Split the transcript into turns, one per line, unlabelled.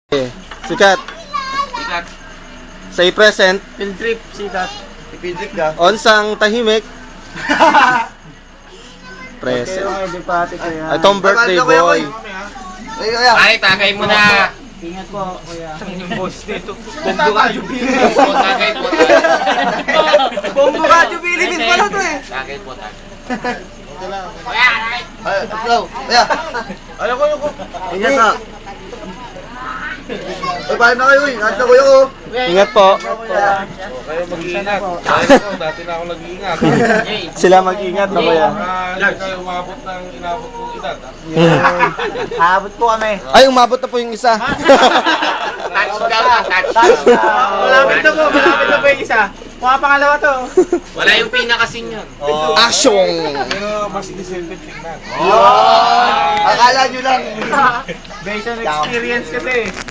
Sikat.
Sikat.
Say present.
Field trip, sikat.
Ipidrik ka.
Onsang tahimik. Present.
Di pati kaya.
Itong birthday boy.
Ay, kaya.
Ay, tagay mo na.
Ingat po, kuya.
Yung boss nito. Bombo ka, jubilin. Tagay po,
Bombo ka, Philippines pala to eh.
Tagay po, tagay.
Ay, flow. Kaya.
Alam ko yung...
Ingat na. Ay, paano na kayo eh? Ingat na kuya ko.
Ingat po.
Kayo mag-iingat. Dati na ako nag-iingat.
Sila mag-ingat na kuya.
Hindi kayo umabot ng inabot kong edad.
Habot po kami.
Ay, umabot na po yung isa.
Touchdown na, touchdown.
Malapit na po yung isa. Mga pangalawa to.
Wala yung pinakasin yun.
Asyong.
Pero mas decent tingnan.
Akala nyo lang.
Based on experience kasi.